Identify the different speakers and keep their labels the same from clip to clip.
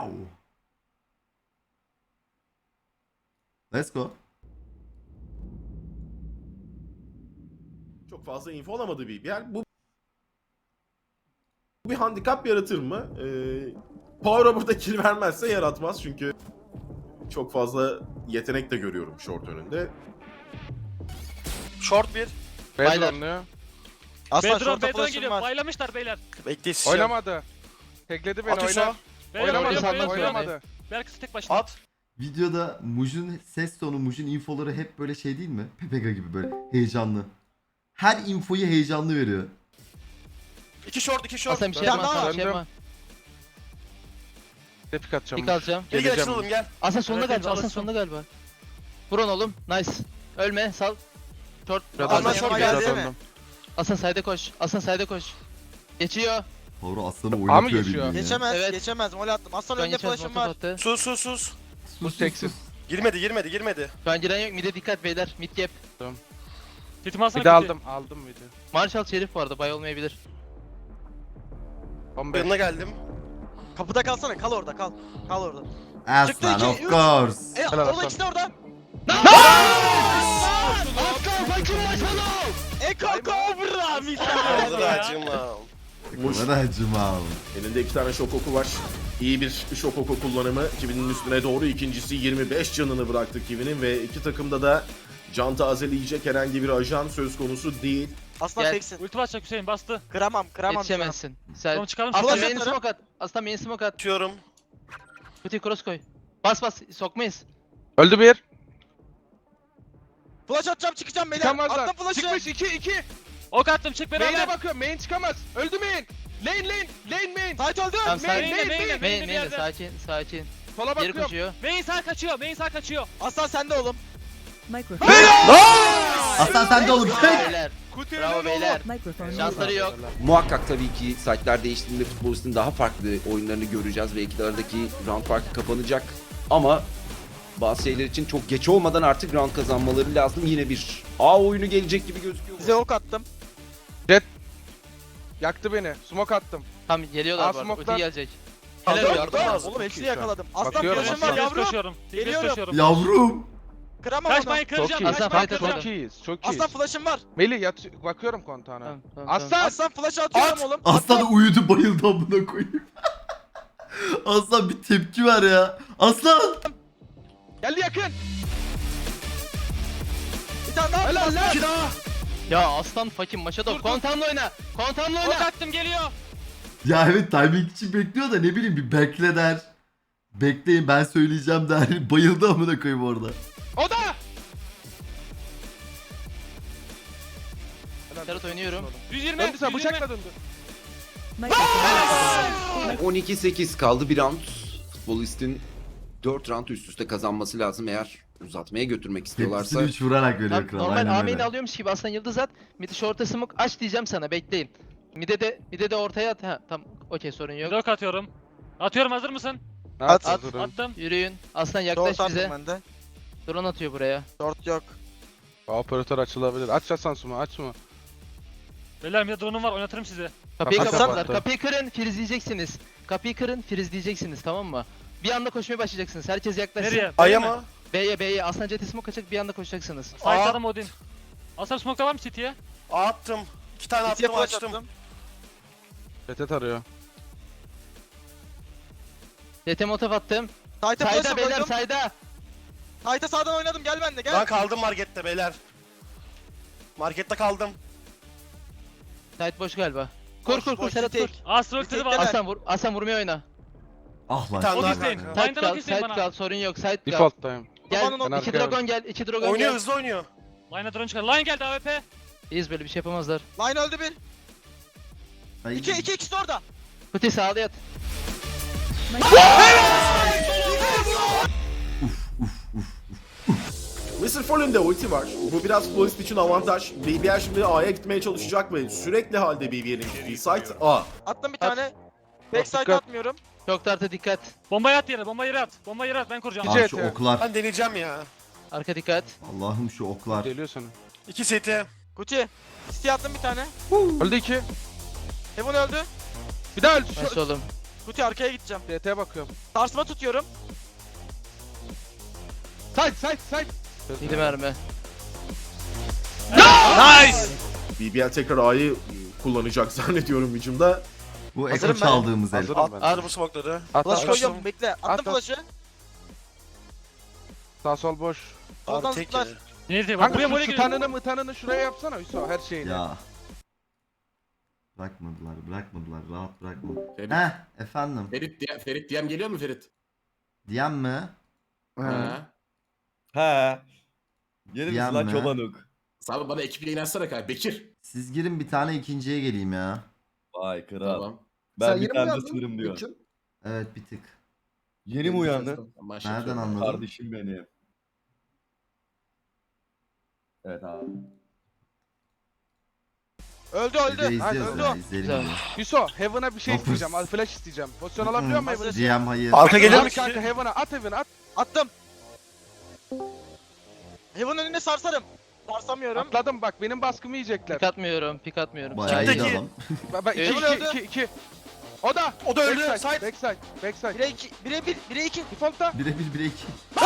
Speaker 1: Wow. Let's go.
Speaker 2: Çok fazla info alamadığı bir yer. Bu bir handikap yaratır mı? Power burada kill vermezse yaratmaz çünkü çok fazla yetenek de görüyorum short önünde.
Speaker 3: Short bir.
Speaker 4: Baylar.
Speaker 3: Aslan
Speaker 5: Bedron,
Speaker 3: short'a
Speaker 5: Bedron
Speaker 3: flash'ım
Speaker 5: geliyor.
Speaker 3: var.
Speaker 5: Baylamışlar beyler.
Speaker 3: Bekleyin.
Speaker 4: Oynamadı. Tekledi beni,
Speaker 3: At Hüso.
Speaker 4: oynar.
Speaker 5: Beyler
Speaker 4: Oynamadı,
Speaker 5: oynuyor,
Speaker 4: oynamadı,
Speaker 5: oynuyor.
Speaker 4: oynamadı.
Speaker 5: Berkası tek başına.
Speaker 3: At.
Speaker 1: Videoda Muj'un ses tonu, Muj'un infoları hep böyle şey değil mi? Pepega gibi böyle heyecanlı. Her infoyu heyecanlı veriyor.
Speaker 3: İki short, iki short.
Speaker 6: Aslan bir şey
Speaker 3: Bir tane
Speaker 6: yapma,
Speaker 3: daha
Speaker 6: Aslan
Speaker 3: var.
Speaker 6: bir şey yapma.
Speaker 4: Tepik atacağım.
Speaker 6: Pik alacağım.
Speaker 3: Gel gel
Speaker 4: Geleceğim.
Speaker 3: açılalım gel.
Speaker 6: Aslan sonunda
Speaker 5: Evet,
Speaker 6: galiba, Aslan
Speaker 5: çalışsın.
Speaker 6: sonunda galiba. Vurun oğlum, nice. Ölme, sal. Short.
Speaker 4: Biraz
Speaker 3: Aslan
Speaker 4: döndüm,
Speaker 3: short
Speaker 4: biraz
Speaker 3: geldi
Speaker 4: döndüm.
Speaker 3: mi?
Speaker 6: Aslan side'e koş, Aslan side'e koş. Geçiyor.
Speaker 1: Doğru aslanı
Speaker 4: A mı
Speaker 1: oynatıyor
Speaker 4: geçiyor?
Speaker 1: bildiğin ya.
Speaker 3: Geçemez,
Speaker 6: Evet.
Speaker 3: geçemez. Mol attım. Aslan
Speaker 6: Şu an
Speaker 3: önünde
Speaker 6: geçmez,
Speaker 3: flash'ım
Speaker 6: motor
Speaker 3: var.
Speaker 6: attı.
Speaker 3: Sus sus sus.
Speaker 4: Bu teksiz.
Speaker 3: Girmedi.
Speaker 6: Şu an giren yok, mid'e dikkat beyler, mid gap.
Speaker 5: Titimi alsana.
Speaker 4: Bir de
Speaker 5: titi.
Speaker 4: aldım bir de.
Speaker 6: Marshall Şerif bu arada, bay olmayabilir.
Speaker 4: 15.
Speaker 3: Yanına geldim. Kapıda kalsana, kal orada, kal. Kal orada. Çıktı
Speaker 1: Aslan
Speaker 3: iki,
Speaker 1: of
Speaker 3: üç.
Speaker 1: course.
Speaker 4: Helal
Speaker 3: Orada
Speaker 4: Aslan.
Speaker 3: ikisi de orada.
Speaker 6: Aslan fakir maşallah!
Speaker 3: Eko Cobra misal.
Speaker 2: Muş
Speaker 1: Bana acımam.
Speaker 2: elinde 2 tane şok oku var. İyi bir şok oku kullanımı. Kivi'nin üstüne doğru ikincisi 25 canını bıraktı Kivi'nin ve iki takımda da can tazeleyecek herhangi bir ajan söz konusu değil.
Speaker 3: Aslan
Speaker 6: Gel.
Speaker 3: teksin.
Speaker 5: Ulti basacak Hüseyin bastı.
Speaker 3: Kıramam.
Speaker 6: Yetişemezsin. Sen...
Speaker 5: Tamam çıkalım.
Speaker 6: Aslan
Speaker 3: Flash
Speaker 6: main
Speaker 3: atarım.
Speaker 6: smoke at. Aslan main smoke at.
Speaker 3: Atıyorum.
Speaker 6: Kutuyu cross koy. Bas, sokmayız.
Speaker 4: Öldü bir.
Speaker 3: Flash atacağım, çıkacağım beyler.
Speaker 4: Çıkamazlar.
Speaker 3: Attım flash'ı.
Speaker 4: Çıkmış 2.
Speaker 5: Ok attım çık
Speaker 4: Main'e
Speaker 5: beraber.
Speaker 4: bakıyorum. Main çıkamaz. Öldü main. Lane main.
Speaker 3: Fight öldü.
Speaker 6: Tamam,
Speaker 4: Main,
Speaker 6: sakin.
Speaker 4: main,
Speaker 5: Main'e,
Speaker 4: main.
Speaker 6: Main,
Speaker 5: bir
Speaker 6: main,
Speaker 5: yerde.
Speaker 6: sakin.
Speaker 4: Sola
Speaker 6: Geri
Speaker 4: bakıyorum.
Speaker 6: koşuyor.
Speaker 5: Main sağ kaçıyor. Main sağ kaçıyor.
Speaker 3: Aslan sende oğlum.
Speaker 7: Microphone.
Speaker 1: Aslan sen de oğlum.
Speaker 6: Bravo beyler.
Speaker 4: Kutu
Speaker 6: Bravo
Speaker 4: önünde
Speaker 6: beyler.
Speaker 7: Microphone.
Speaker 6: Şansları yok.
Speaker 8: Muhakkak tabii ki saatler değiştiğinde futbolistin daha farklı oyunlarını göreceğiz ve iki aradaki round farkı kapanacak. Ama bazı şeyler için çok geç olmadan artık round kazanmaları lazım. Yine bir A oyunu gelecek gibi gözüküyor.
Speaker 3: Size ok attım.
Speaker 4: Yaktı beni. Smoke attım.
Speaker 6: Tamam geliyorlar bu arada.
Speaker 4: Smoke'dan-
Speaker 6: Ulti gelecek.
Speaker 3: Helal
Speaker 6: Helal
Speaker 3: yardım
Speaker 6: yardım
Speaker 3: lazım. Oğlum hepsini yakaladım. Aslan
Speaker 4: Bakıyorum,
Speaker 3: flash'ım
Speaker 4: Aslan.
Speaker 3: var
Speaker 5: Yavrum.
Speaker 3: yavrum.
Speaker 5: Koşuyorum.
Speaker 3: Geliyorum.
Speaker 5: Koşuyorum.
Speaker 1: Yavrum.
Speaker 3: Kıramam onu.
Speaker 5: Kaçmayın
Speaker 4: Çok
Speaker 5: kıracağım.
Speaker 4: iyi.
Speaker 6: Aslan
Speaker 5: Kaçmayın
Speaker 6: fight
Speaker 5: kıracağım.
Speaker 4: Çok iyiyiz. Çok
Speaker 3: Aslan
Speaker 4: iyiyiz.
Speaker 3: flash'ım var.
Speaker 4: Melih bakıyorum kontağına.
Speaker 6: Tamam.
Speaker 4: Aslan.
Speaker 3: Aslan flash atıyorum oğlum.
Speaker 1: Aslan da uyudu bayıldı amına koyayım. Aslan bir tepki ver ya. Aslan.
Speaker 4: Geldi yakın.
Speaker 3: Bir tane daha.
Speaker 4: Helal lan.
Speaker 3: İki daha.
Speaker 6: Ya aslan fucking Maşadov. Kontamla oyna. Kontamla
Speaker 5: Ok
Speaker 6: oyna.
Speaker 5: attım geliyor.
Speaker 1: Ya evet timing için bekliyor da ne bileyim bir bekle der. Bekleyin ben söyleyeceğim der. Bayıldı amına koyayım orada.
Speaker 4: O da.
Speaker 6: Serhat oynuyorum.
Speaker 5: 120.
Speaker 4: Döndü sen
Speaker 5: 120.
Speaker 4: bıçakla döndü.
Speaker 7: Microphone.
Speaker 8: 12-8 kaldı bir round. Futbolistin 4 round üst üste kazanması lazım eğer uzatmaya götürmek istiyorlarsa.
Speaker 1: Hepsini 3 vurarak veriyor
Speaker 6: Tamam,
Speaker 1: kral.
Speaker 6: normal
Speaker 1: Aynen
Speaker 6: A main'i
Speaker 1: öyle.
Speaker 6: alıyormuş gibi aslan yıldız at. Mid'i short'a smoke aç diyeceğim sana bekleyin. Mid'e de ortaya at. Ha tamam okey sorun yok.
Speaker 5: Dök atıyorum. Atıyorum hazır mısın?
Speaker 4: At.
Speaker 5: Attım.
Speaker 6: Yürüyün. Aslan yaklaş
Speaker 3: Short
Speaker 6: bize.
Speaker 3: attım ben de.
Speaker 6: Drone atıyor buraya.
Speaker 3: Short yok.
Speaker 4: Operatör açılabilir. Aç Sansum'u açma.
Speaker 5: Beyler bir de drone'um var oynatırım sizi.
Speaker 6: Kapıyı
Speaker 4: Kapat,
Speaker 6: kapatlar.
Speaker 4: kapat.
Speaker 6: Kapıyı kırın frizleyeceksiniz. Kapıyı kırın frizleyeceksiniz tamam mı? Bir anda koşmaya başlayacaksınız. Herkes yaklaşsın.
Speaker 5: Nereye?
Speaker 3: Aya
Speaker 5: B'ye mi?
Speaker 3: mı?
Speaker 6: B'ye. Aslan jeti smoke açacak bir anda koşacaksınız.
Speaker 5: Site'ladım Odin. Aslan smoke'da var mı City'ye?
Speaker 3: Attım. İki tane
Speaker 6: City'ye
Speaker 3: attım
Speaker 6: flash
Speaker 3: açtım.
Speaker 4: Retet arıyor.
Speaker 6: Jete motof attım.
Speaker 3: Sight'a
Speaker 6: Sayda
Speaker 3: flash'ım
Speaker 6: beyler
Speaker 3: koydum.
Speaker 6: sayda.
Speaker 3: Sight'a sağdan oynadım gel bende gel.
Speaker 9: Ben kaldım markette beyler. Markette kaldım.
Speaker 6: Site boş galiba. Kur Serhat kur.
Speaker 5: Astro
Speaker 3: Bir
Speaker 5: ultisi
Speaker 3: tek
Speaker 5: var.
Speaker 3: de-
Speaker 6: Aslan vurmaya oyna.
Speaker 1: Ah lan.
Speaker 9: Tamam.
Speaker 5: Ok
Speaker 9: Daha
Speaker 5: isteyin.
Speaker 9: kanka.
Speaker 6: Site
Speaker 5: Line'dan ok
Speaker 6: kal,
Speaker 5: isteyin
Speaker 6: site
Speaker 5: bana.
Speaker 6: kal, sorun yok, site kal.
Speaker 4: Default'tayım.
Speaker 6: Gel,
Speaker 3: Babanın
Speaker 4: Ben
Speaker 6: iki
Speaker 4: arkaya
Speaker 6: dragon gel, iki dragon
Speaker 9: Oynuyor
Speaker 6: gel.
Speaker 9: hızlı oynuyor.
Speaker 5: Line'a drone çıkar. Line geldi AWP.
Speaker 6: İyiyiz böyle bir şey yapamazlar.
Speaker 3: Line öldü bir.
Speaker 1: Ay.
Speaker 3: İki ikisi de orada.
Speaker 6: Kuti sağda yat.
Speaker 2: Mr. Fallen'de ulti var. Bu biraz futbolist için avantaj. BBR şimdi A'ya gitmeye çalışacak ve sürekli halde BBR'in gittiği site A.
Speaker 3: Attım bir tane. Backside
Speaker 4: Dikkat.
Speaker 3: atmıyorum.
Speaker 6: Çok tartı dikkat.
Speaker 5: Bombayı at yere. Bombayı yere at. Bombayı yere at. Ben kuracağım.
Speaker 4: İki
Speaker 1: Ah şu
Speaker 4: eti.
Speaker 1: oklar.
Speaker 9: Ben deneyeceğim ya.
Speaker 6: Arka dikkat.
Speaker 1: Allah'ım şu oklar.
Speaker 4: Geliyor sana.
Speaker 9: 2 seti.
Speaker 3: Gucci. City attım bir tane.
Speaker 4: Öldü 2.
Speaker 3: Heaven öldü.
Speaker 4: Bir daha öldü.
Speaker 6: Nasıl oğlum?
Speaker 3: Kuti arkaya gideceğim.
Speaker 4: DT'ye bakıyorum.
Speaker 3: Sarsma tutuyorum.
Speaker 4: Side.
Speaker 6: 7 mermi.
Speaker 3: Nice!
Speaker 2: BBL tekrar A'yı kullanacak zannediyorum hücumda.
Speaker 1: Bu
Speaker 3: Hazırım
Speaker 1: Eko
Speaker 3: ben.
Speaker 1: çaldığımız el.
Speaker 4: Hazırım ben.
Speaker 9: At bu smoke'ları.
Speaker 4: At,
Speaker 3: Flash
Speaker 4: at.
Speaker 3: koyuyorum bekle. Attım
Speaker 4: At.
Speaker 3: flash'ı.
Speaker 4: Sağ sol boş.
Speaker 3: Soldan
Speaker 9: Abi tek
Speaker 3: zıplar.
Speaker 9: yedi.
Speaker 5: Neyse bak buraya
Speaker 4: Kanka
Speaker 5: buraya
Speaker 4: şu
Speaker 5: geliyor.
Speaker 4: tutanını şuraya yapsana Hüso her şeyini.
Speaker 1: Ya. Bırakmadılar. Rahat bırakmadılar.
Speaker 2: Ferit,
Speaker 1: Efendim.
Speaker 2: Ferit DM geliyor mu Ferit?
Speaker 1: Diyen mi?
Speaker 7: He. Gelir
Speaker 1: Diyen
Speaker 7: misin lan
Speaker 1: mi?
Speaker 7: çobanuk?
Speaker 2: Abi bana ekiple inersene kanka. Bekir.
Speaker 1: Siz girin bir tane ikinciye geleyim ya.
Speaker 7: Vay kral.
Speaker 2: Tamam.
Speaker 7: Ben bir tane de sınırım diyor.
Speaker 1: Evet bir tık.
Speaker 7: Yeni mi uyandın?
Speaker 1: Nereden anladın?
Speaker 7: Kardeşim benim. Evet abi.
Speaker 3: Öldü
Speaker 1: Biz de
Speaker 3: öldü.
Speaker 1: izliyoruz
Speaker 3: Öldü.
Speaker 1: ya. İzleyelim
Speaker 6: Güzel.
Speaker 1: bunu.
Speaker 4: Hüso Heaven'a bir şey
Speaker 1: Dokuz.
Speaker 4: isteyeceğim. Al flash isteyeceğim. Pozisyon alabiliyor muyum Heaven'a?
Speaker 1: GM hayır.
Speaker 9: Arka gelir
Speaker 4: Abi
Speaker 9: mi?
Speaker 4: kanka Heaven'a at Heaven'a at.
Speaker 3: Attım. Heaven önüne sarsarım. Sarsamıyorum.
Speaker 4: Atladım bak benim baskımı yiyecekler.
Speaker 6: Pik atmıyorum.
Speaker 1: Bayağı iyi
Speaker 9: Çifteki.
Speaker 1: adam.
Speaker 4: Bak
Speaker 3: Heaven
Speaker 4: 2
Speaker 3: öldü.
Speaker 4: 2. O da.
Speaker 9: O da öldü.
Speaker 4: Backside.
Speaker 9: Side.
Speaker 4: Backside.
Speaker 3: 1'e 2. 1'e 1. 1'e 2.
Speaker 4: Default'ta.
Speaker 1: Birebir 1'e 2.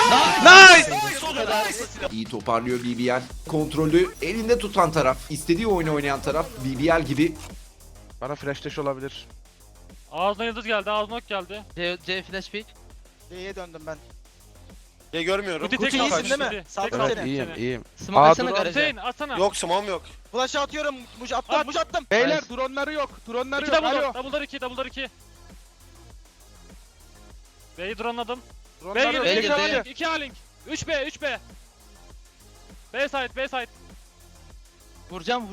Speaker 8: İyi toparlıyor BBL. Kontrolü elinde tutan taraf, istediği oyunu oynayan taraf BBL gibi.
Speaker 4: Bana flash dash olabilir.
Speaker 5: Ağzına yıldız geldi, ağzına ok geldi.
Speaker 6: C flash pick.
Speaker 3: D'ye döndüm ben.
Speaker 9: Ya görmüyorum.
Speaker 5: Kuti
Speaker 3: Kuti
Speaker 5: tek
Speaker 3: iyisin
Speaker 5: kaldı.
Speaker 3: değil mi?
Speaker 5: Kuti.
Speaker 3: Sağ
Speaker 5: Tek
Speaker 3: ol
Speaker 5: kaldı.
Speaker 3: seni.
Speaker 4: iyiyim.
Speaker 6: Smoke
Speaker 4: Aa,
Speaker 6: atsana
Speaker 4: dur,
Speaker 6: garaja.
Speaker 5: Hüseyin atsana.
Speaker 9: Yok smoke'um yok.
Speaker 3: Flash atıyorum. Muj attım. Muj attım.
Speaker 4: Beyler
Speaker 6: Nice.
Speaker 4: dronları yok. Dronları
Speaker 5: İki
Speaker 4: yok.
Speaker 5: double
Speaker 4: Alo.
Speaker 5: door, double door 2. B'yi drone'ladım. B
Speaker 4: Dronları
Speaker 5: girdi,
Speaker 4: yok.
Speaker 6: B
Speaker 5: 2
Speaker 6: girdi.
Speaker 5: A-Link, 2 A-Link. 3B, 3B. B side.
Speaker 6: Vuracağım.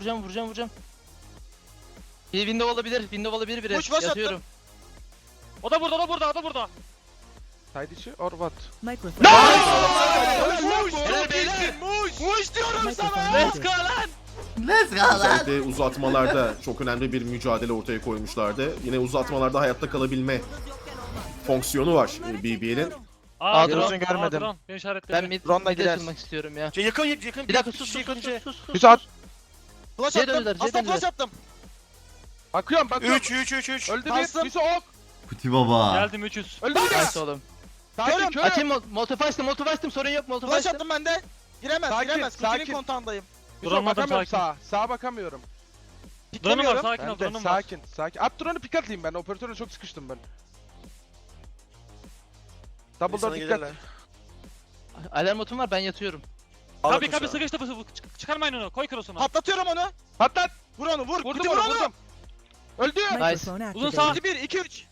Speaker 6: Bir window olabilir biri.
Speaker 3: Push, push
Speaker 6: Yatıyorum.
Speaker 5: O da burada.
Speaker 4: Side içi or what?
Speaker 10: Microphone.
Speaker 3: Helal beyler. Muj diyorum sana.
Speaker 5: Let's go lan.
Speaker 1: Let's go lan.
Speaker 2: Özellikle uzatmalarda çok önemli bir mücadele ortaya koymuşlardı. Yine uzatmalarda hayatta kalabilme fonksiyonu var BBL'in.
Speaker 5: Aa,
Speaker 3: drone
Speaker 5: drone
Speaker 3: görmedim.
Speaker 5: Drone. Beni işaretledi.
Speaker 6: Ben mid
Speaker 3: Drone'la
Speaker 6: mid'e
Speaker 3: girer.
Speaker 6: açılmak istiyorum ya.
Speaker 9: Yakın.
Speaker 6: Bir dakika sus.
Speaker 4: Hüso at.
Speaker 3: Flash
Speaker 6: C
Speaker 3: attım.
Speaker 6: döndüler, C
Speaker 3: Aslan
Speaker 6: döndüler.
Speaker 3: flash attım.
Speaker 4: Bakıyorum.
Speaker 9: 3.
Speaker 4: Öldü
Speaker 3: Bastım.
Speaker 4: bir. Hüso ok.
Speaker 1: Kuti baba.
Speaker 5: Geldim 300.
Speaker 4: Öldü bir.
Speaker 6: Nice oğlum.
Speaker 4: Sakin kör.
Speaker 6: Açayım molotov açtım sorun yok molotov
Speaker 3: Flash
Speaker 6: açtım.
Speaker 3: attım ben de. Giremez.
Speaker 4: Sakin,
Speaker 3: Giremez. Kuti'nin
Speaker 4: sakin.
Speaker 3: kontağındayım.
Speaker 4: Hüso
Speaker 5: Duramadım,
Speaker 4: bakamıyorum
Speaker 5: sakin.
Speaker 4: sağa. Sağa bakamıyorum.
Speaker 5: Drone'um var,
Speaker 3: Piklemiyorum.
Speaker 5: sakin ol,
Speaker 4: Ben de
Speaker 5: drone'um var.
Speaker 4: sakin. At drone'u pick atayım ben. Operatörle çok sıkıştım ben. Double door dikkat.
Speaker 6: Alarm botum var ben yatıyorum.
Speaker 5: Kabi sıkıştı çıkarmayın onu. Koy cross'unu.
Speaker 3: Patlatıyorum onu.
Speaker 4: Patlat.
Speaker 3: Vur onu vur.
Speaker 4: Vurdum
Speaker 3: Kuti
Speaker 4: onu
Speaker 3: vur onu.
Speaker 4: vurdum. Öldü.
Speaker 10: Microphone
Speaker 5: Uzun
Speaker 10: activated.
Speaker 5: sağ.
Speaker 3: 1 2 3.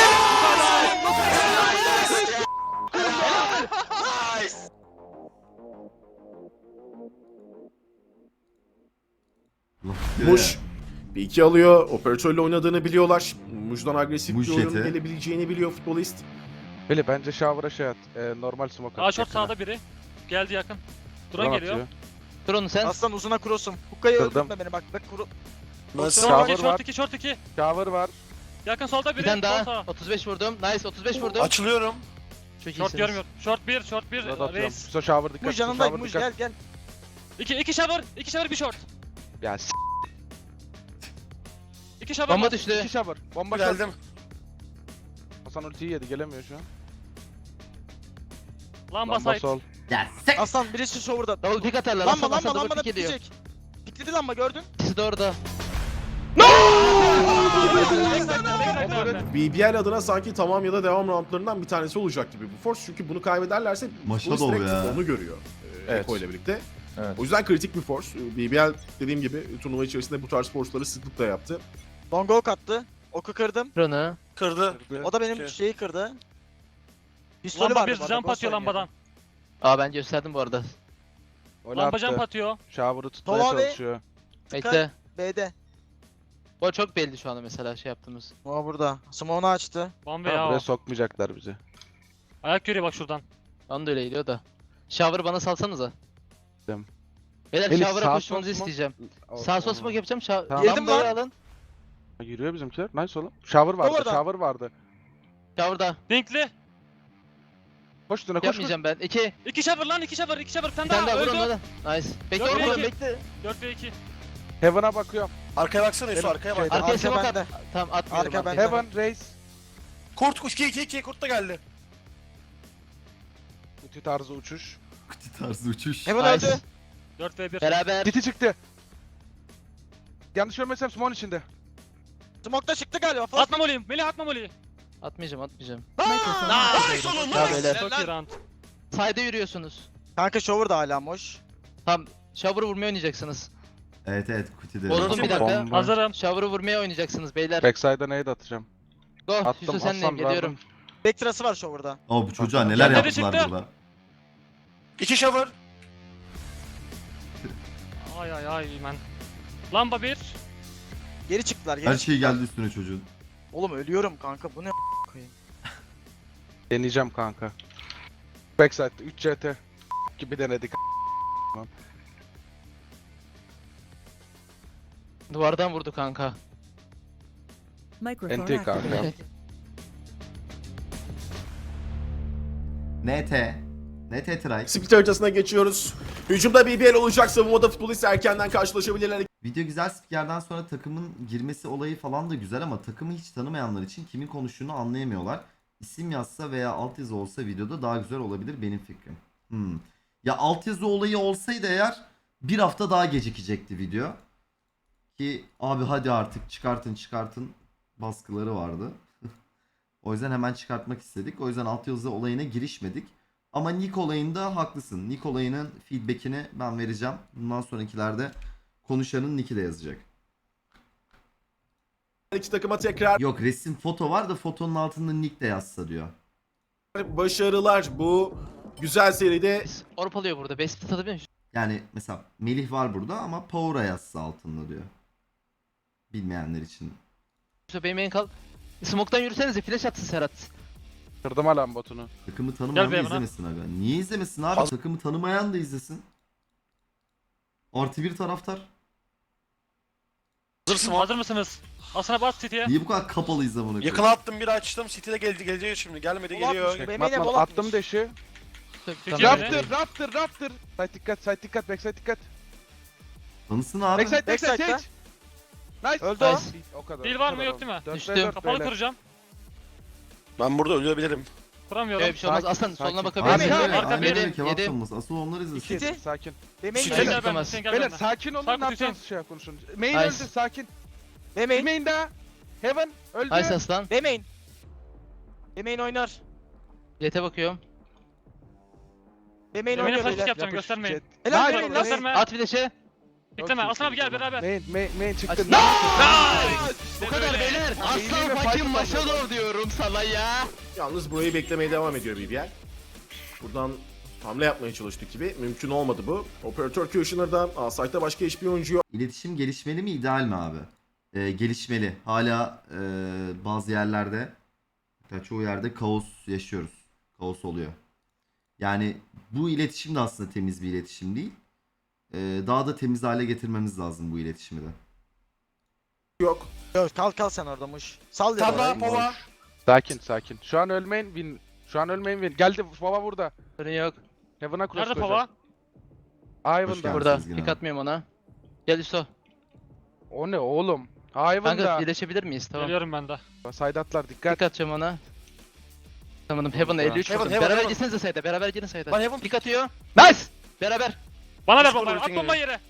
Speaker 2: Muş bir iki alıyor. Operatörle oynadığını biliyorlar. Muş'dan agresif
Speaker 1: Muş
Speaker 2: bir oyun
Speaker 1: jeti.
Speaker 2: gelebileceğini biliyor futbolist.
Speaker 4: Beli bence shower'a şey at. Normal smoke at.
Speaker 5: A short sağda biri. Geldi yakın. Drone geliyor.
Speaker 6: Drone'u sen.
Speaker 3: Aslan uzuna cross'um. Hukka'yı
Speaker 4: Kırdım.
Speaker 3: öldürme beni bak. Bak kuru.
Speaker 9: Nasıl?
Speaker 5: Short
Speaker 4: Shower
Speaker 5: 2,
Speaker 4: var.
Speaker 5: short 2, short 2.
Speaker 4: Shower var.
Speaker 5: Yakın solda
Speaker 6: Bir
Speaker 5: biri.
Speaker 6: tane
Speaker 5: Sol
Speaker 6: daha.
Speaker 5: sağ.
Speaker 6: 35 vurdum. Nice 35 vurdum.
Speaker 9: Açılıyorum.
Speaker 6: Çok
Speaker 5: Short
Speaker 6: iyisiniz.
Speaker 5: görmüyor. Short 1, short 1.
Speaker 4: Rod atıyorum.
Speaker 5: Reis.
Speaker 4: Hüso shower dikkat.
Speaker 3: Muj
Speaker 4: Hüso
Speaker 3: yanındayım.
Speaker 4: shower
Speaker 3: Muj
Speaker 4: dikkat.
Speaker 3: gel gel.
Speaker 5: 2 shower, 2 shower 1 short.
Speaker 4: Ya
Speaker 5: 2 shower.
Speaker 6: Bomba
Speaker 5: var.
Speaker 6: düştü.
Speaker 4: 2 shower. Bomba short.
Speaker 9: Geldim.
Speaker 4: Hasan ultiyi yedi gelemiyor şu an.
Speaker 5: Lamba
Speaker 4: Lamba
Speaker 5: side.
Speaker 4: sol.
Speaker 1: Ya sek.
Speaker 3: Aslan birisi şovurda.
Speaker 6: Double pick atarlar.
Speaker 3: Lamba
Speaker 6: Lamba
Speaker 3: lamba lamba da
Speaker 6: pick ediyor.
Speaker 3: pikleyecek. Pikledi lamba gördün.
Speaker 6: İkisi de orada.
Speaker 2: BBL adına sanki tamam ya da devam roundlarından bir tanesi olacak gibi bu force. Çünkü bunu kaybederlerse
Speaker 1: Maşa
Speaker 2: polis
Speaker 1: dolu
Speaker 2: direkt
Speaker 1: ya.
Speaker 2: onu görüyor.
Speaker 7: Evet.
Speaker 2: Eko ile birlikte.
Speaker 7: Evet.
Speaker 2: O yüzden kritik bir force. BBL dediğim gibi turnuva içerisinde bu tarz force'ları sıklıkla yaptı.
Speaker 3: Long ok attı. Oku kırdım.
Speaker 6: Drone'u.
Speaker 9: Kırdı.
Speaker 3: O da benim
Speaker 9: Okey.
Speaker 3: şeyi kırdı. Pistolü
Speaker 5: Lamba
Speaker 3: vardı
Speaker 5: bir
Speaker 3: bu arada,
Speaker 5: jump
Speaker 3: boss
Speaker 5: atıyor
Speaker 3: oynuyor.
Speaker 5: lambadan.
Speaker 6: Aa ben gösterdim bu arada.
Speaker 4: Öyle
Speaker 5: Lamba
Speaker 4: attı.
Speaker 5: jump atıyor.
Speaker 4: Shower'ı tutmaya
Speaker 3: Tova ve-
Speaker 4: çalışıyor.
Speaker 6: Bekle.
Speaker 3: B'de.
Speaker 6: Bu çok belli şu anda mesela şey yaptığımız.
Speaker 3: O burada. Smoke'unu açtı.
Speaker 5: Bomba
Speaker 4: Tamam,
Speaker 5: ya
Speaker 4: buraya
Speaker 5: o.
Speaker 4: sokmayacaklar bizi.
Speaker 5: Ayak görüyor bak şuradan.
Speaker 6: Bana da öyle geliyor da. Shower'ı bana salsanıza.
Speaker 4: Tamam.
Speaker 6: Beyler
Speaker 4: Elif,
Speaker 6: shower'a
Speaker 4: sağ
Speaker 6: koşmanızı
Speaker 4: sol smoke-
Speaker 6: isteyeceğim.
Speaker 4: O-
Speaker 6: Sağ sol
Speaker 4: o-
Speaker 6: smoke yapacağım.
Speaker 4: Tamam.
Speaker 3: Yedim
Speaker 6: Lambayı
Speaker 3: lan.
Speaker 6: alın.
Speaker 4: Yürüyor bizimkiler. Nice oğlum. Shower vardı.
Speaker 3: Orada.
Speaker 4: Shower vardı.
Speaker 6: Shower'da.
Speaker 5: Dinkli.
Speaker 4: Koş üstüne koş.
Speaker 6: Yapmayacağım ben. 2.
Speaker 5: 2 shower lan 2 shower 2 shower. Bir
Speaker 6: Bir
Speaker 5: tane
Speaker 6: tane daha
Speaker 5: daha
Speaker 6: vur
Speaker 5: öldü.
Speaker 6: onu da. Nice. Bekle
Speaker 5: Yok,
Speaker 6: oğlum
Speaker 5: iki.
Speaker 6: bekle.
Speaker 5: 4 ve 2.
Speaker 4: Heaven'a bakıyorum.
Speaker 9: Arkaya baksana Yusuf arkaya bak.
Speaker 3: Şeyde,
Speaker 6: Arkaya
Speaker 3: arka
Speaker 6: smoke
Speaker 3: bende.
Speaker 6: at. Tamam atmıyorum.
Speaker 3: Arka
Speaker 6: arkaya.
Speaker 3: bende.
Speaker 4: Heaven race.
Speaker 9: Kurt 2 kurt da geldi.
Speaker 4: Kutu tarzı uçuş.
Speaker 1: Kuti tarzı uçuş.
Speaker 3: Heaven
Speaker 6: Nice.
Speaker 3: öldü.
Speaker 5: 4v1.
Speaker 6: Beraber.
Speaker 4: Titi çıktı. Yanlış görmesem Smoke'un içinde.
Speaker 3: Smoke'da çıktı galiba.
Speaker 5: Atma moliyim. Melih atma moliyi.
Speaker 6: Atmayacağım atmayacağım.
Speaker 9: Nice oğlum
Speaker 6: Ya beyler.
Speaker 5: Çok iyi round.
Speaker 6: Side'e yürüyorsunuz.
Speaker 3: Kanka shower da hala boş.
Speaker 6: Tam shower'ı vurmaya oynayacaksınız.
Speaker 1: Evet Kuti de.
Speaker 6: Vurdum bir dakika.
Speaker 4: Bomba.
Speaker 5: Hazırım.
Speaker 6: Shower'ı vurmaya oynayacaksınız beyler.
Speaker 4: Backside'a nade atacağım.
Speaker 6: Go.
Speaker 4: Attım,
Speaker 6: Yusuf senleyim
Speaker 4: Hasan,
Speaker 6: geliyorum.
Speaker 3: Backtrası var shower'da.
Speaker 1: Ama bu çocuğa neler
Speaker 5: Kendleri
Speaker 1: yaptılar
Speaker 5: çıktı.
Speaker 1: burada.
Speaker 9: 2 shower.
Speaker 5: Ay ay ay men. Lamba 1.
Speaker 3: Geri çıktılar. Geri
Speaker 1: Her şey
Speaker 3: çıktılar.
Speaker 1: geldi üstüne çocuğun.
Speaker 3: Oğlum ölüyorum kanka. Bu ne koyayım.
Speaker 4: Deneyeceğim kanka. Backside'da 3 CT gibi denedik.
Speaker 6: Duvardan vurdu kanka.
Speaker 4: NT kanka.
Speaker 1: NT try.
Speaker 2: Split haritasına geçiyoruz. Hücumda BBL olacak. Savunmada futbolist erkenden karşılaşabilirler.
Speaker 1: Video güzel, spikerden sonra takımın girmesi olayı falan da güzel ama takımı hiç tanımayanlar için kimin konuştuğunu anlayamıyorlar. İsim yazsa veya altyazı olsa videoda daha güzel olabilir benim fikrim. Ya altyazı olayı olsaydı eğer bir hafta daha gecikecekti video. Ki abi hadi artık çıkartın baskıları vardı. O yüzden hemen çıkartmak istedik. O yüzden altyazı olayına girişmedik. Ama Nick olayında haklısın. Nick olayının feedbackini ben vereceğim. Bundan sonrakilerde konuşanın Nick'i de yazacak.
Speaker 2: İki takıma tekrar
Speaker 1: Yok, resim foto var da fotonun altında Nick de yazsa diyor.
Speaker 2: başarılar. Bu güzel seride
Speaker 6: Orp alıyor burada. Best split atabiliyor musun?
Speaker 1: Yani mesela Melih var burada ama Power'a yazsa altında diyor. Bilmeyenler için.
Speaker 6: Yusuf benim en kal. Smoke'tan yürüsenize flash atsın Serhat.
Speaker 4: Kırdım alan botunu.
Speaker 1: Takımı tanımayan
Speaker 5: Gel
Speaker 1: da
Speaker 5: be bana.
Speaker 1: izlemesin aga. Niye izlemesin abi? Takımı tanımayan da izlesin. Artı bir taraftar.
Speaker 9: Hazır smoke.
Speaker 5: Hazır mısınız? Asına bas City'ye.
Speaker 1: Niye bu kadar kapalı izle bunu?
Speaker 9: Yakına attım bir açtım. City'de gelecek şimdi. Gelmedi
Speaker 3: Bol
Speaker 9: geliyor.
Speaker 3: atmış. Benim yine bol
Speaker 4: Attım
Speaker 3: atmış.
Speaker 4: deşi.
Speaker 5: City'ye
Speaker 6: Raptor.
Speaker 4: Raptor. Side dikkat, backside dikkat.
Speaker 1: Tanısın abi.
Speaker 4: Backside,
Speaker 3: Backside'da.
Speaker 4: Sage. Nice.
Speaker 3: Öldü o.
Speaker 6: Nice.
Speaker 4: O kadar.
Speaker 5: Heal
Speaker 4: o
Speaker 5: var
Speaker 4: kadar
Speaker 5: mı, yok
Speaker 4: oldu.
Speaker 5: değil mi?
Speaker 4: Dört
Speaker 6: Düştüm.
Speaker 4: ve dört
Speaker 5: Kapalı
Speaker 4: beyler.
Speaker 5: kuracağım.
Speaker 9: Ben burada ölebilirim.
Speaker 5: Kuramıyorum.
Speaker 6: Öyle bir şey olmaz.
Speaker 4: Sakin,
Speaker 6: Aslan soluna
Speaker 4: sakin.
Speaker 6: bakabilir
Speaker 1: Aynen
Speaker 6: miyim?
Speaker 1: öyle.
Speaker 5: Arka
Speaker 1: Aynen
Speaker 5: bir,
Speaker 1: öyle. Kebap
Speaker 6: yedim.
Speaker 1: çalması. Asıl onlar izlesin.
Speaker 3: City.
Speaker 4: Sakin.
Speaker 3: Benim
Speaker 6: City.
Speaker 3: main
Speaker 5: Sen
Speaker 3: öldü.
Speaker 5: gel ben.
Speaker 6: tutamaz.
Speaker 5: Sen gel
Speaker 4: Beyler
Speaker 5: ben.
Speaker 4: sakin olun,
Speaker 5: Sarkı
Speaker 4: ne yapacağız
Speaker 5: Hüseyin.
Speaker 4: şey konuşun. Main
Speaker 6: Nice.
Speaker 4: öldü, sakin.
Speaker 3: Benim main.
Speaker 4: Main daha. Heaven öldü.
Speaker 6: Nice aslan.
Speaker 3: Benim main. Benim main oynar.
Speaker 6: Jet'e bakıyorum.
Speaker 3: Benim main
Speaker 5: Benim
Speaker 3: oynuyor
Speaker 5: flash
Speaker 3: beyler.
Speaker 5: yapacağım, göstermeyin.
Speaker 4: Jet.
Speaker 3: Helal
Speaker 4: Nice.
Speaker 3: benim main.
Speaker 5: Gösterme.
Speaker 6: At bir de şey.
Speaker 5: Bekleme.
Speaker 4: Çok
Speaker 5: Aslan abi
Speaker 4: iyi.
Speaker 5: gel beraber.
Speaker 4: Main çıktı.
Speaker 6: Açtın. Bu kadar beyler. Aslan fucking Maşador diyorum sana ya.
Speaker 2: yalnız burayı beklemeye devam ediyor BBL. Buradan hamle yapmaya çalıştık gibi. Mümkün olmadı bu. Operatör Kushner'dan A-Site'da başka hiçbir oyuncu yok.
Speaker 1: İletişim gelişmeli mi, ideal mi abi? Gelişmeli. Hala bazı yerlerde, hatta çoğu yerde kaos yaşıyoruz. Kaos oluyor. Yani bu iletişim de aslında temiz bir iletişim değil. Daha da temiz hale getirmemiz lazım bu iletişimi de.
Speaker 2: Yok.
Speaker 3: Yok, kal sen orada muş. Sal ya.
Speaker 9: Tabla
Speaker 3: orayı.
Speaker 9: pova.
Speaker 4: Sakin. Şu an ölmeyin win. Geldi baba burada.
Speaker 6: Sorun yok.
Speaker 4: Heaven'a cross
Speaker 5: Nerede Pava?
Speaker 1: Hoş
Speaker 4: Ivan'da.
Speaker 1: geldin.
Speaker 6: Burada.
Speaker 1: Sezgin
Speaker 6: Pick
Speaker 1: abi.
Speaker 6: atmıyorum ona. Gel Yusuf.
Speaker 4: O ne oğlum? Ivan'da.
Speaker 6: Kanka birleşebilir miyiz? Tamam.
Speaker 5: Geliyorum ben de.
Speaker 4: Side atlar dikkat.
Speaker 6: Pick atacağım ona. Tamam. Heaven'a 53
Speaker 9: Heaven,
Speaker 6: vurdum.
Speaker 9: Heaven,
Speaker 6: Beraber
Speaker 9: Heaven.
Speaker 6: gitsenize sayda. Beraber girin sayda.
Speaker 9: Lan Heaven
Speaker 6: Pick atıyor. Nice. Beraber.
Speaker 5: Bana ver
Speaker 9: Discord
Speaker 5: bombayı. At
Speaker 9: ulting
Speaker 5: bombayı yere.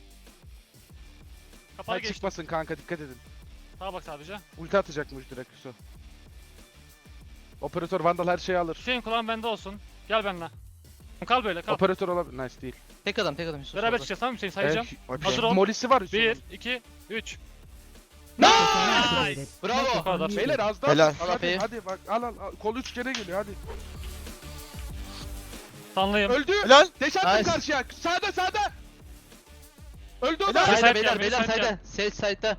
Speaker 5: Kapalı
Speaker 4: Side
Speaker 5: geçti.
Speaker 4: çıkmasın kanka dikkat edin.
Speaker 5: Sağa bak sadece.
Speaker 4: Ulti atacakmış direkt Yusuf. Operatör Vandal her şeyi alır.
Speaker 5: Hüseyin kulağın bende olsun. Gel benimle. Kal böyle kal.
Speaker 4: Operatör olabilir. Nice değil.
Speaker 6: Tek adam Yusuf.
Speaker 5: Beraber
Speaker 6: solda.
Speaker 5: çıkacağız tamam mı Hüseyin sayacağım. Hazır ol.
Speaker 4: Molisi var Yusuf'un.
Speaker 5: 1, 2, 3.
Speaker 6: Nice.
Speaker 5: Bu
Speaker 6: Bravo.
Speaker 5: kadar.
Speaker 4: Beyler az daha.
Speaker 3: Helal.
Speaker 6: Al
Speaker 4: Hadi,
Speaker 6: AP'yi.
Speaker 4: hadi bak al. Kol 3 kere geliyor hadi.
Speaker 5: Sanlıyım.
Speaker 4: Öldü.
Speaker 3: Helal.
Speaker 4: Deş attım
Speaker 6: Nice.
Speaker 4: karşıya. Sağda. Öldü o
Speaker 3: Helal.
Speaker 4: da.
Speaker 5: Side
Speaker 6: Sayda
Speaker 5: gel,
Speaker 6: beyler
Speaker 5: side gel.
Speaker 6: sayda. Sage sayda.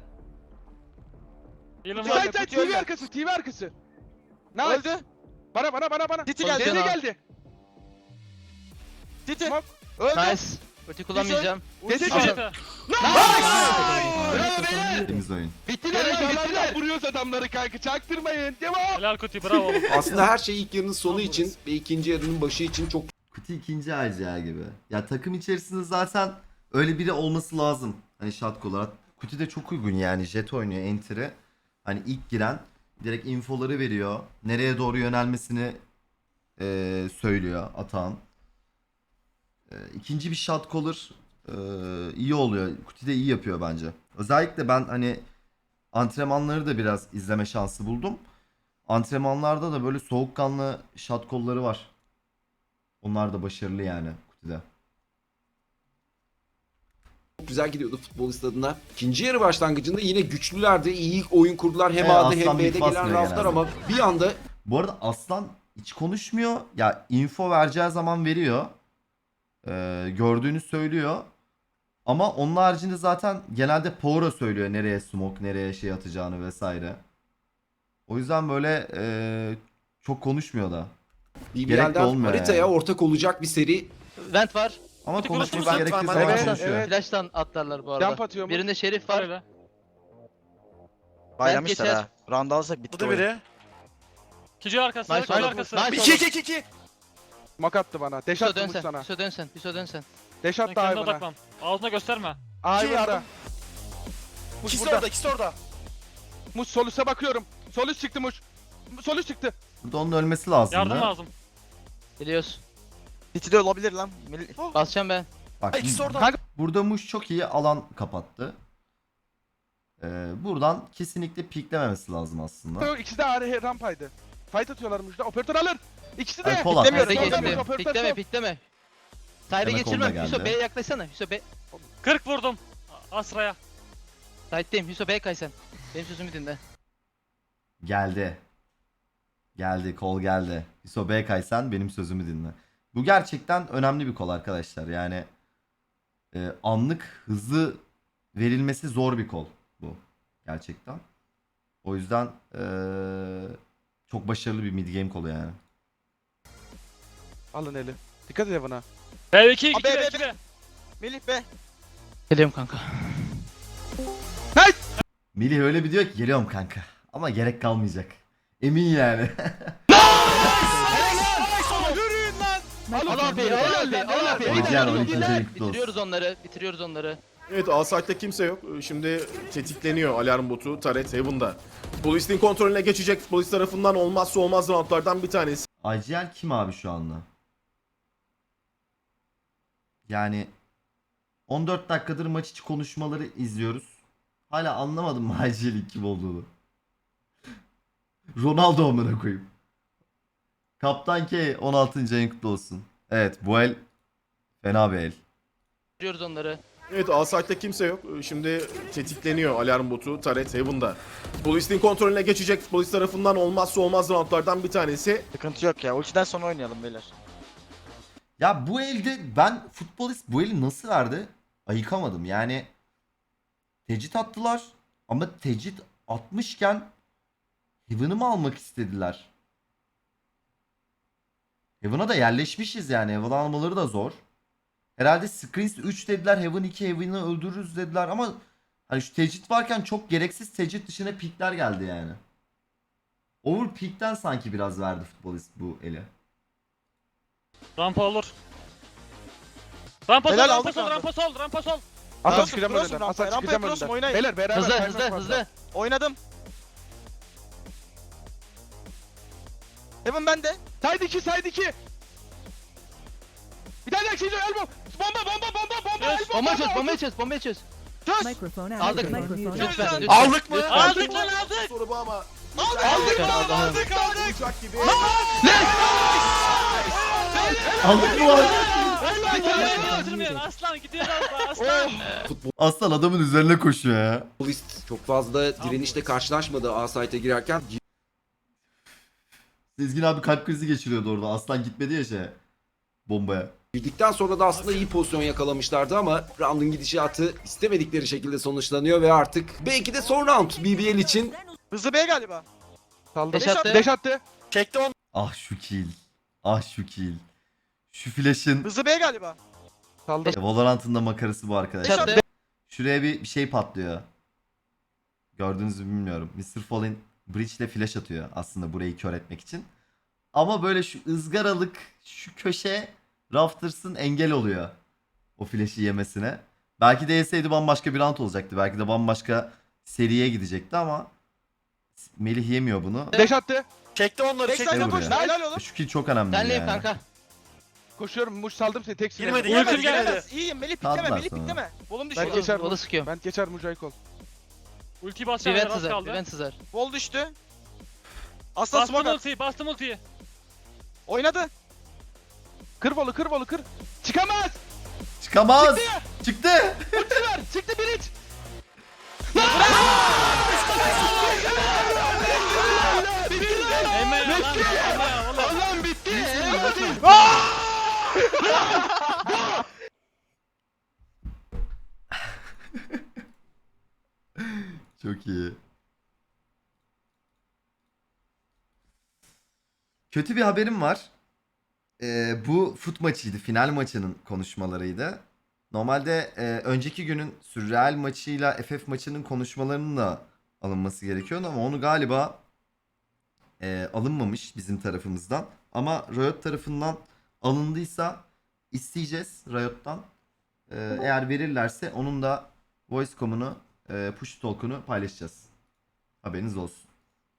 Speaker 5: Yılın
Speaker 3: Side,
Speaker 5: var.
Speaker 4: Side
Speaker 3: Kutuyu
Speaker 4: TV
Speaker 3: öldü.
Speaker 4: arkası. TV arkası. Nice.
Speaker 3: Öldü.
Speaker 4: Bana.
Speaker 3: City geldi.
Speaker 4: Denize
Speaker 6: Cana.
Speaker 4: geldi.
Speaker 3: City.
Speaker 4: Smoke.
Speaker 3: Öldü.
Speaker 6: Nice. Ulti kullanmayacağım.
Speaker 4: Denize
Speaker 5: Al.
Speaker 4: geldi.
Speaker 6: Bravo beyler.
Speaker 1: Temiz oyun.
Speaker 6: Bittiler
Speaker 4: Bittiler.
Speaker 6: bittiler.
Speaker 4: Vuruyoruz adamları kanka. Çaktırmayın. Devam.
Speaker 5: Helal Kuti bravo oğlum.
Speaker 8: Aslında her şey ilk yarının sonu için ve ikinci yarının başı için çok
Speaker 1: Kuti ikinci RCA gibi. Ya takım içerisinde zaten öyle biri olması lazım. Hani shot olarak. Kuti de çok uygun yani. Jet oynuyor, Enter'e. Hani ilk giren. Direkt infoları veriyor. Nereye doğru yönelmesini söylüyor Atan. İkinci bir shot caller iyi oluyor. Kuti de iyi yapıyor bence. Özellikle ben hani antrenmanları da biraz izleme şansı buldum. Antrenmanlarda da böyle soğukkanlı shot call'ları var. Onlar da başarılı yani Kuti'de.
Speaker 8: Çok güzel gidiyordu futbolist adına. İkinci yarı başlangıcında yine güçlülerdi. İyi oyun kurdular. Hem A'da hem
Speaker 1: Aslan
Speaker 8: B'de
Speaker 1: bit
Speaker 8: gelen
Speaker 1: basmıyor
Speaker 8: raftlar
Speaker 1: genelde.
Speaker 8: ama bir anda
Speaker 1: Bu arada Aslan hiç konuşmuyor. Ya info vereceği zaman veriyor. Gördüğünü söylüyor. Ama onun haricinde zaten genelde Power'a söylüyor nereye smoke, nereye şey atacağını vesaire. O yüzden böyle çok konuşmuyor da. Gerek de
Speaker 8: BBL'den
Speaker 1: olmuyor
Speaker 8: haritaya
Speaker 1: yani.
Speaker 8: ortak olacak bir seri.
Speaker 6: Vent var.
Speaker 1: Ama
Speaker 5: Hadi
Speaker 1: konuşması
Speaker 5: konuşuruz.
Speaker 1: gerektiği
Speaker 9: Ben-
Speaker 1: zaman
Speaker 4: Evet,
Speaker 1: konuşuyor.
Speaker 4: evet.
Speaker 6: Flash'tan atlarlar bu arada.
Speaker 4: Jump atıyor mu?
Speaker 6: Birinde Şerif var.
Speaker 5: Öyle.
Speaker 3: Baylamışlar
Speaker 6: geçer.
Speaker 3: ha. Round alsak bitti
Speaker 9: Bu da
Speaker 3: oyun.
Speaker 9: biri.
Speaker 5: Kici arkası.
Speaker 6: Nice
Speaker 5: Kici
Speaker 6: oğlum.
Speaker 5: arkası.
Speaker 6: Nice
Speaker 9: 2
Speaker 6: oğlum.
Speaker 9: 2 2.
Speaker 4: Mak attı bana. Deş
Speaker 6: Piso
Speaker 4: attı Muş
Speaker 6: dönsen.
Speaker 4: sana.
Speaker 6: Piso dönsen. Piso dönsen.
Speaker 4: Deş
Speaker 5: Sen
Speaker 4: attı
Speaker 5: kendine
Speaker 4: Ayvan'a.
Speaker 5: odaklan. Ağzına gösterme.
Speaker 4: Ayvan'da.
Speaker 9: yardım.
Speaker 4: Muş
Speaker 9: İkisi
Speaker 4: burada.
Speaker 9: orada, ikisi orada.
Speaker 4: Muş sol üste bakıyorum. Sol üst çıktı Muş. Sol üst çıktı.
Speaker 1: Burada onun ölmesi lazım.
Speaker 5: Yardım lazım.
Speaker 6: Biliyoruz.
Speaker 3: City'de olabilir lan.
Speaker 6: Basacağım ben.
Speaker 1: Bak,
Speaker 9: Ay, ikisi orada.
Speaker 4: Kanka
Speaker 1: burada Muş çok iyi alan kapattı. Buradan kesinlikle piklememesi lazım aslında.
Speaker 4: ikisi de ağrı rampaydı. Fight atıyorlar Muş'ta. Operatör alır. İkisi de.
Speaker 1: Ay, Polat.
Speaker 6: Pikleme
Speaker 4: Solda Muş,
Speaker 6: pikleme.
Speaker 4: operatör
Speaker 6: Pikleme
Speaker 4: sol.
Speaker 6: pikleme. Side'e
Speaker 1: Demek
Speaker 6: geçirmem.
Speaker 1: onda
Speaker 6: Hüso
Speaker 1: geldi.
Speaker 6: B'ye yaklaşsana. Hüso B.
Speaker 5: 40 vurdum. Asra'ya.
Speaker 6: Side'deyim. Hüso B'ye kay sen. Benim sözümü dinle.
Speaker 1: Geldi. Geldi, kol geldi. İso B kaysan benim sözümü dinle. Bu gerçekten önemli bir kol arkadaşlar. Yani anlık hızlı verilmesi zor bir kol bu. Gerçekten. O yüzden çok başarılı bir mid game kolu yani.
Speaker 4: Alın eli. Dikkat et Evan'a.
Speaker 5: B2 2
Speaker 3: Abi,
Speaker 5: B
Speaker 3: B,
Speaker 5: 2 B.
Speaker 3: Melih be.
Speaker 6: Geliyorum kanka.
Speaker 1: Melih öyle bir diyor ki geliyorum kanka. Ama gerek kalmayacak. Emin yani.
Speaker 9: Yürüyün lan.
Speaker 6: Al abi. Al abi. Al abi.
Speaker 1: Hocam, 12. kutlu
Speaker 6: Bitiriyoruz onları. Bitiriyoruz onları.
Speaker 2: Evet, A site'de kimse yok. Şimdi tetikleniyor alarm botu Taret Heaven'da. Futbolistin kontrolüne geçecek. Futbolist tarafından olmazsa olmaz roundlardan bir tanesi.
Speaker 1: IGL kim abi şu anda? Yani 14 dakikadır maç içi konuşmaları izliyoruz. Hala anlamadım mı IGL'in kim olduğunu. Ronaldo amına koyayım. Kaptan K 16. ayın kutlu olsun. Evet, bu el fena bir el.
Speaker 6: Bitiriyoruz onları.
Speaker 2: Evet, A site'de kimse yok. Şimdi tetikleniyor alarm botu Taret Heaven'da. Futbolistin kontrolüne geçecek. Futbolist tarafından olmazsa olmaz roundlardan bir tanesi.
Speaker 3: Sıkıntı yok ya. Ultiden sonra oynayalım beyler.
Speaker 1: Ya bu elde ben futbolist bu eli nasıl verdi? Ayıkamadım. Yani tecrit attılar ama tecrit atmışken Heaven'ı mı almak istediler? Heaven'a da yerleşmişiz yani. Heaven almaları da zor. Herhalde Screens 3 dediler. Heaven 2 Heaven'ı öldürürüz dediler ama hani şu tecrit varken çok gereksiz tecrit dışına pikler geldi yani. Overpeak'ten sanki biraz verdi futbolist bu eli.
Speaker 5: Rampa olur. Rampa sol,
Speaker 3: Helal,
Speaker 5: rampa
Speaker 3: aldık
Speaker 5: sol,
Speaker 3: round'u.
Speaker 5: rampa sol, rampa sol.
Speaker 4: Asa
Speaker 3: Cross'um,
Speaker 4: çıkacağım
Speaker 3: cross'um
Speaker 4: önünden.
Speaker 3: rampaya,
Speaker 4: Asa
Speaker 3: rampaya
Speaker 4: çıkacağım
Speaker 3: cross'um,
Speaker 4: önünden.
Speaker 3: oynayın.
Speaker 4: Beyler beraber
Speaker 6: Hızlı
Speaker 4: kaymak
Speaker 6: hızlı
Speaker 4: fazla.
Speaker 6: hızlı.
Speaker 3: Oynadım. Heaven bende.
Speaker 4: Side 2 side 2. Bir tane daha şey elbow. Bomba.
Speaker 5: Yes.
Speaker 6: Bomba çöz. Bomba çöz. Bomba çöz.
Speaker 3: Çöz.
Speaker 10: Microphone out.
Speaker 6: Aldık.
Speaker 10: Microphone
Speaker 6: Lütfen.
Speaker 10: out.
Speaker 6: Lütfen.
Speaker 3: Aldık mı?
Speaker 6: Lütfen.
Speaker 5: Aldık lan aldık.
Speaker 2: Soru bu ama
Speaker 3: Aldık.
Speaker 6: Aldık.
Speaker 2: olacak gibi.
Speaker 1: Aldık mı lan?
Speaker 5: Kaçırmayın. Aslan gidiyor aslan.
Speaker 1: Aslan adamın üzerine koşuyor ya.
Speaker 8: Futbolist çok fazla direnişle karşılaşmadı A site'e girerken.
Speaker 1: Sezgin abi kalp krizi geçiriyordu orada. Aslan gitmedi ya bombaya.
Speaker 8: Girdikten sonra da aslında iyi pozisyon yakalamışlardı ama round'un gidişatı istemedikleri şekilde sonuçlanıyor ve artık belki de son round BBL için.
Speaker 3: Hızlı B galiba.
Speaker 4: Saldı.
Speaker 6: Deş attı.
Speaker 4: Deş attı.
Speaker 3: Çekti onu.
Speaker 1: Ah şu kill. Ah şu kill. Şu flash'ın
Speaker 3: Hızlı B galiba.
Speaker 4: Saldı.
Speaker 1: Valorant'ın da makarası bu arkadaşlar.
Speaker 6: Çattı.
Speaker 1: Şuraya bir şey patlıyor. Gördüğünüzü bilmiyorum. Mr. Fallen Breach ile flash atıyor aslında burayı kör etmek için. Ama böyle şu ızgaralık şu köşe Rafters'ın engel oluyor. O flash'i yemesine. Belki de yeseydi bambaşka bir round olacaktı. Belki de bambaşka seriye gidecekti ama Melih yemiyor bunu.
Speaker 4: Deş attı.
Speaker 9: Çekti onları
Speaker 3: Backside'a
Speaker 1: Gel
Speaker 9: çekti.
Speaker 3: koş.
Speaker 1: buraya.
Speaker 3: Helal oğlum.
Speaker 1: Şu kill çok önemli
Speaker 6: Senleyim
Speaker 1: yani.
Speaker 6: kanka.
Speaker 4: Koşuyorum. Muş saldım seni. Tek
Speaker 9: Girmedi,
Speaker 4: silahla.
Speaker 9: girmedi.
Speaker 3: Gelemez gelemez. İyiyim Melih pikleme
Speaker 1: Kaldılar
Speaker 3: Melih
Speaker 1: sonra.
Speaker 3: pikleme. Volum
Speaker 4: Ben
Speaker 3: düşüyor.
Speaker 4: geçer.
Speaker 6: Volu sıkıyorum.
Speaker 4: Ben geçer Mücahit ol.
Speaker 5: Ulti basacağım
Speaker 6: Prevent
Speaker 5: az
Speaker 6: sızar.
Speaker 5: kaldı.
Speaker 6: Prevent sızar.
Speaker 3: Vol düştü. Aslan
Speaker 5: Bastım
Speaker 3: smoke at.
Speaker 5: ultiyi, bastım ultiyi.
Speaker 3: Oynadı.
Speaker 4: Kır Volu, kır Volu, kır. Çıkamaz.
Speaker 1: Çıkamaz. Çıktı.
Speaker 6: Çıktılar. Çıktı Biriç.
Speaker 5: Emme ya lan. Emme ya oğlum.
Speaker 6: Allah'ım bitti.
Speaker 1: Çok iyi. Kötü bir haberim var. Bu fut maçıydı. Final maçının konuşmalarıydı. Normalde önceki günün Sürreal maçıyla FF maçının konuşmalarının da alınması gerekiyordu ama onu galiba alınmamış bizim tarafımızdan. Ama Riot tarafından alındıysa isteyeceğiz Riot'tan. Eğer verirlerse onun da voice.com'unu, push talk'unu paylaşacağız. Haberiniz olsun.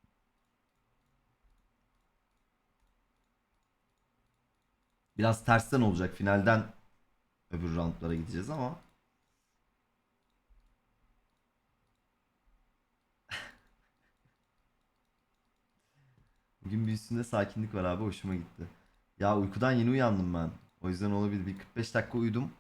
Speaker 1: Biraz tersten olacak. Finalden öbür roundlara gideceğiz ama. Bugün bir üstünde sakinlik var abi. Hoşuma gitti. Ya uykudan yeni uyandım ben. O yüzden olabilir. Bir 45 dakika uyudum.